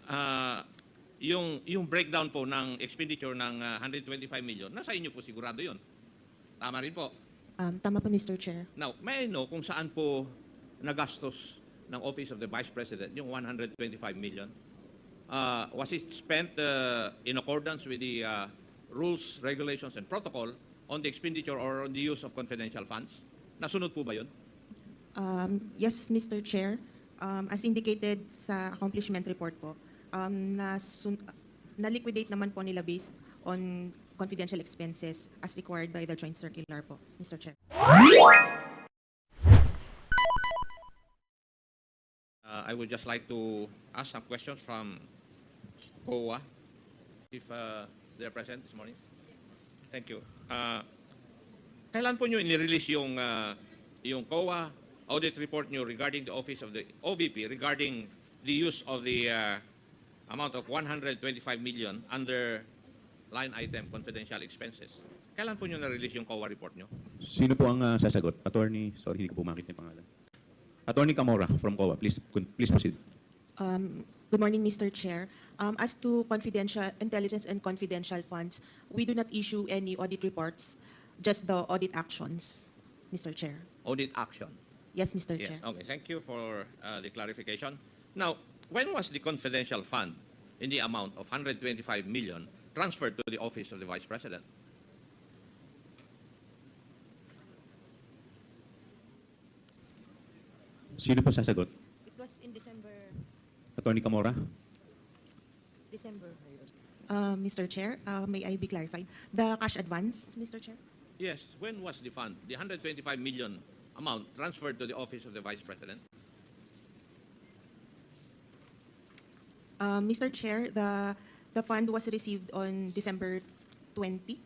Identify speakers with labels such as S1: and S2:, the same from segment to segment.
S1: yung breakdown po ng expenditure ng 125 million, nasa inyo po sigurado yun. Tama rin po.
S2: Tama po, Mr. Chair.
S1: Now, may I know kung saan po nagastos ng Office of the Vice President yung 125 million? Was it spent in accordance with the rules, regulations, and protocol on the expenditure or on the use of confidential funds? Nasunod po ba yun?
S2: Yes, Mr. Chair. As indicated sa accomplishment report po, na-liquidate naman po nila based on confidential expenses as required by the joint circular po, Mr. Chair.
S1: I would just like to ask some questions from COA, if they're present this morning. Thank you. Kailan po nyo inirelease yung COA audit report nyo regarding the office of the OVP regarding the use of the amount of 125 million under line item confidential expenses? Kailan po nyo na-release yung COA report nyo?
S3: Sino po ang sasagot? Attorney, sorry, hindi ko po makita yung pangalan. Attorney Camora from COA, please proceed.
S2: Good morning, Mr. Chair. As to confidential intelligence and confidential funds, we do not issue any audit reports, just the audit actions, Mr. Chair.
S1: Audit action.
S2: Yes, Mr.
S1: Yes.
S2: Chair.
S1: Okay. Thank you for the clarification. Now, when was the confidential fund in the amount of 125 million transferred to the office of the Vice President?
S3: Sino po sasagot?
S4: It was in December.
S3: Attorney Camora?
S2: Mr. Chair, may I be clarified? The cash advance, Mr. Chair?
S1: Yes. When was the fund, the 125 million amount, transferred to the office of the Vice President?
S2: Mr. Chair, the fund was received on December 20,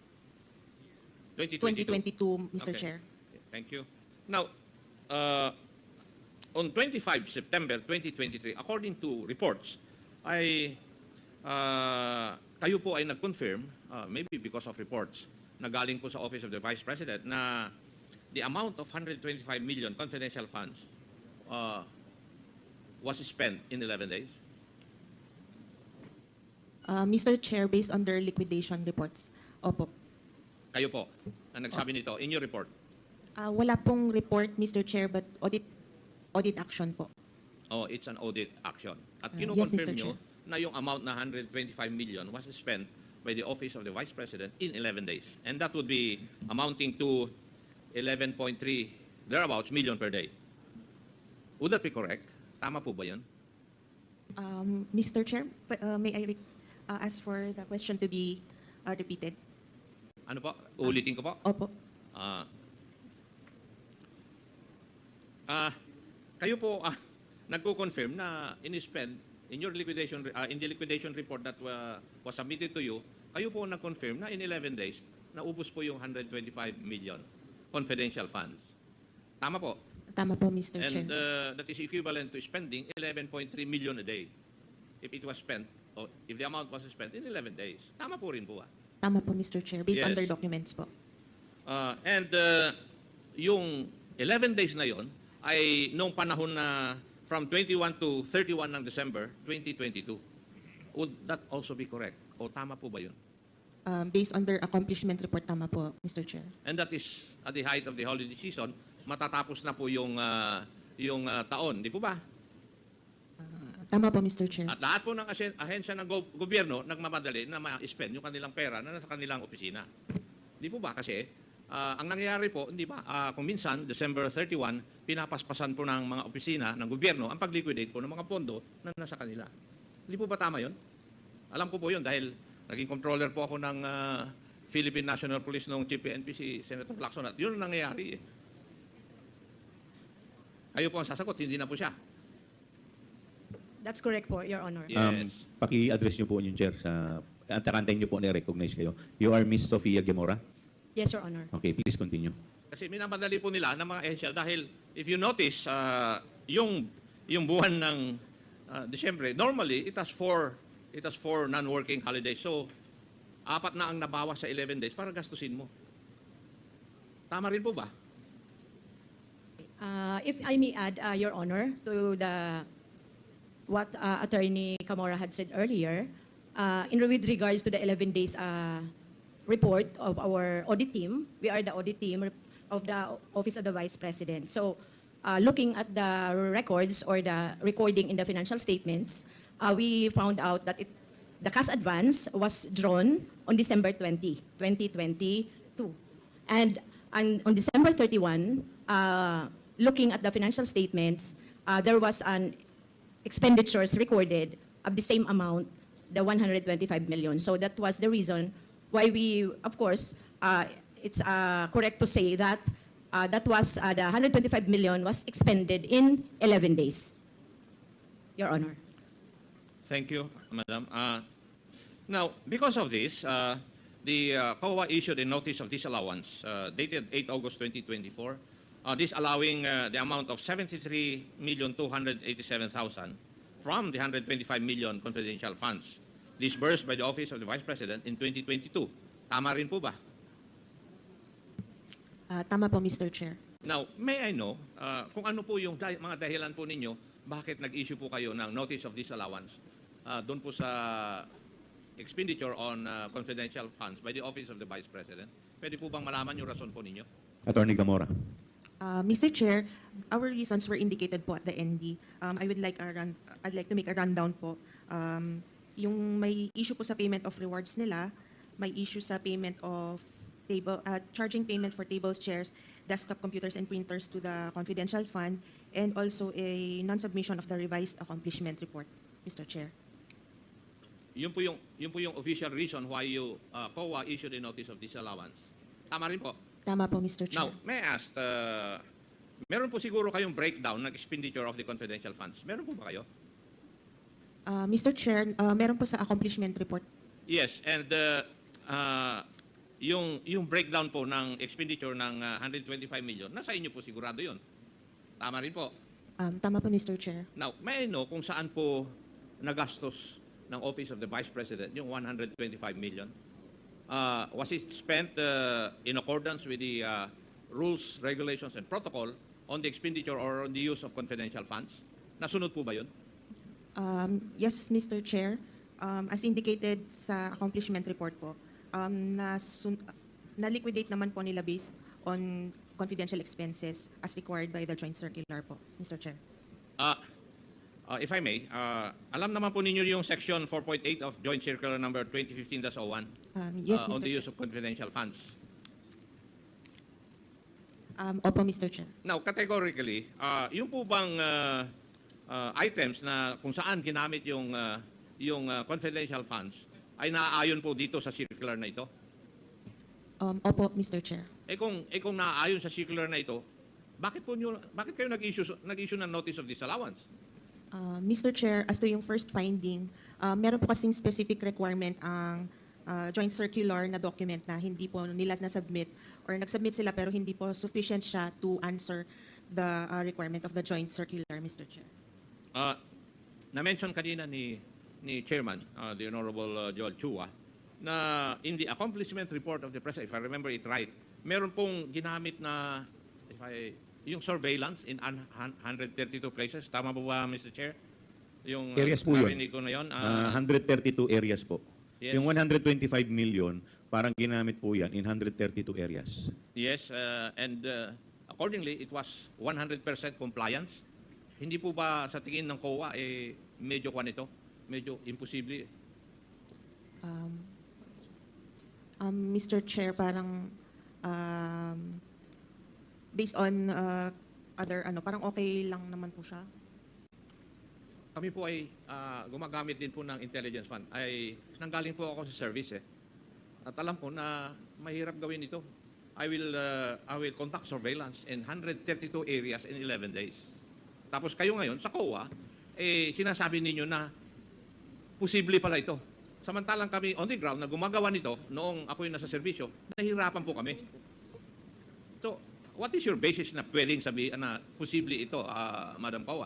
S2: 2022, Mr.
S1: Okay.
S2: Chair.
S1: Thank you. Now, on 25 September 2023, according to reports, kayo po ay nag-confirm, maybe because of reports, na galing po sa Office of the Vice President, na the amount of 125 million confidential funds was spent in 11 days.
S2: Mr. Chair, based on their liquidation reports, opo.
S1: Kayo po, na nagsabi nito in your report.
S2: Wala pong report, Mr. Chair, but audit action po.
S1: Oh, it's an audit action. At
S2: Yes,
S1: kinukonfirm
S2: Mr.
S1: nyo
S2: Chair.
S1: na yung amount na 125 million was spent by the Office of the Vice President in 11 days. And that would be amounting to 11.3 thereabouts million per day. Would that be correct? Tama po ba yun?
S2: Mr. Chair, may I ask for the question to be repeated?
S1: Ano po? Uulitin ko po.
S2: Opo.
S1: Kayo po nagko-confirm na in-spend in your liquidation in the liquidation report that was submitted to you, kayo po nag-confirm na in 11 days naubos po yung 125 million confidential funds. Tama po.
S2: Tama po, Mr. Chair.
S1: And that is equivalent to spending 11.3 million a day if it was spent or if the amount was spent in 11 days. Tama po rin po.
S2: Tama po, Mr. Chair, based on
S1: Yes.
S2: their documents po.
S1: And yung 11 days na yon ay noong panahon na from 21 to 31 ng December 2022. Would that also be correct? O tama po ba yun?
S2: Based on their accomplishment report, tama po, Mr. Chair.
S1: And that is at the height of the holiday season, matatapos na po yung taon, di po ba?
S2: Tama po, Mr. Chair.
S1: At lahat po ng ahensya ng gobyerno nagmamadali na ma-spend yung kanilang pera na nasa kanilang opisina. Di po ba? Kasi ang nangyayari po, hindi ba, kung minsan, December 31, pinapaspasan po ng mga opisina ng gobyerno ang pag-liquidate po ng mga pondo na nasa kanila. Hindi po ba tama yun? Alam ko po yun dahil naging controller po ako ng Philippine National Police noong Chief PNP si Senator Lacson at yun ang nangyayari. Kayo po ang sasagot, hindi na po siya.
S4: That's correct po, Your Honor.
S1: Yes.
S3: Paki-address niyo po yung chair sa antakantayin niyo po na-recognize kayo. You are Miss Sofia Gemora?
S4: Yes, Your Honor.
S3: Okay, please continue.
S1: Kasi minamadali po nila ng mga ehensya dahil if you notice, yung buwan ng Disyembre, normally it has four non-working holidays. So, 4 na ang nabawas sa 11 days para gastusin mo. Tama rin po ba?
S4: If I may add, Your Honor, to the what Attorney Camora had said earlier, with regards to the 11 days report of our audit team. We are the audit team of the Office of the Vice President. So, looking at the records or the recording in the financial statements, we found out that the cash advance was drawn on December 20, 2022. And on December 31, looking at the financial statements, there was an expenditures recorded of the same amount, the 125 million. So that was the reason why we, of course, it's correct to say that that was the 125 million was expended in 11 days, Your Honor.
S1: Thank you, Madam. Now, because of this, the COA issued a notice of disallowance dated 8 August 2024, disallowing the amount of 73,287,000 from the 125 million confidential funds disbursed by the Office of the Vice President in 2022. Tama rin po ba?
S2: Tama po, Mr. Chair.
S1: Now, may I know kung ano po yung mga dahilan po ninyo bakit nag-issue po kayo ng notice of disallowance doon po sa expenditure on confidential funds by the Office of the Vice President? Pwede po bang malaman yung rason po ninyo?
S3: Attorney Camora.
S2: Mr. Chair, our reasons were indicated po at the ND. I'd like to make a rundown po. Yung may issue po sa payment of rewards nila, may issue sa payment of charging payment for tables, chairs, desktop computers, and printers to the confidential fund, and also a non-submission of the revised accomplishment report, Mr. Chair.
S1: Yun po yung official reason why you COA issued a notice of disallowance. Tama rin po.
S2: Tama po, Mr. Chair.
S1: Now, may I ask, meron po siguro kayong breakdown ng expenditure of the confidential funds. Meron po ba kayo?
S2: Mr. Chair, meron po sa accomplishment report.
S1: Yes, and yung breakdown po ng expenditure ng 125 million, nasa inyo po sigurado yun. Tama rin po.
S2: Tama po, Mr. Chair.
S1: Now, may I know kung saan po nagastos ng Office of the Vice President yung 125 million? Was it spent in accordance with the rules, regulations, and protocol on the expenditure or on the use of confidential funds? Nasunod po ba yun?
S2: Yes, Mr. Chair. As indicated sa accomplishment report po, na-liquidate naman po nila based on confidential expenses as required by the joint circular po, Mr. Chair.
S1: If I may, alam naman po ninyo yung section 4.8 of Joint Circular number 2015-01
S2: Yes,
S1: on
S2: Mr.
S1: the
S2: Chair.
S1: use of confidential funds.
S2: Opo, Mr. Chair.
S1: Now, categorically, yung po bang items na kung saan ginamit yung confidential funds ay naaayon po dito sa circular na ito?
S2: Opo, Mr. Chair.
S1: Kung naaayon sa circular na ito, bakit kayo nag-issue ng notice of disallowance?
S2: Mr. Chair, as to yung first finding, meron po kasing specific requirement ang joint circular na document na hindi po nila na-submit or nag-submit sila pero hindi po sufficient siya to answer the requirement of the joint circular, Mr. Chair.
S1: Na-mention kanina ni Chairman, the Honorable Joel Chua, na in the accomplishment report of the President, if I remember it right, meron pong ginamit na, yung surveillance in 132 places. Tama po ba, Mr. Chair? Yung
S3: Areas po yun.
S1: narinig ko na yun.
S3: 132 areas po.
S1: Yes.
S3: Yung 125 million, parang ginamit po yan in 132 areas.
S1: Yes, and accordingly, it was 100% compliance. Hindi po ba sa tingin ng COA, medyo kwan ito? Medyo imposible.
S2: Mr. Chair, parang based on parang okay lang naman po siya.
S1: Kami po ay gumagamit din po ng intelligence fund. Ay nanggaling po ako sa service At alam ko na mahirap gawin ito. I will conduct surveillance in 132 areas in 11 days. Tapos kayo ngayon sa COA, sinasabi ninyo na posible pala ito. Samantalang kami on the ground na gumagawa nito noong ako yung nasa serbisyo, nahihirapan po kami. So, what is your basis na pwedeng sabihin na posible ito, Madam COA?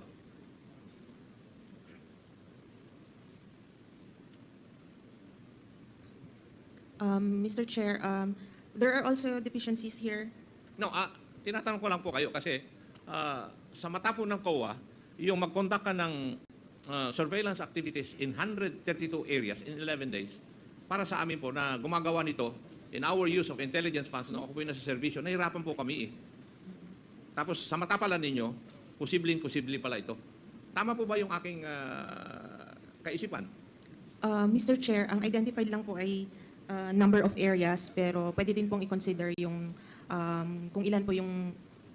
S2: Mr. Chair, there are also deficiencies here.
S1: No, tinatanong ko lang po kayo kasi sa mata po ng COA, yung mag-conduct ka ng surveillance activities in 132 areas in 11 days. Para sa amin po na gumagawa nito in our use of intelligence funds nung ako po yung nasa servisyo, nahirapan po kami eh. Tapos sa mata pala ninyo, posibleng-posible pala ito. Tama po ba yung aking kaisipan?
S2: Mr. Chair, ang identified lang po ay number of areas, pero pwede din pong i-consider yung kung ilan po yung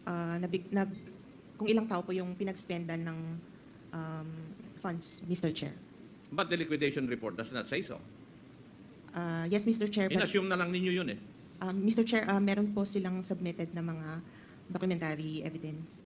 S2: kung ilang tao po yung pinag-spendan ng funds, Mr. Chair.
S1: But the liquidation report does not say so.
S2: Yes, Mr. Chair. But,
S1: In-assume na lang ninyo yun eh.
S2: Mr. Chair, meron po silang submitted na mga documentary evidence.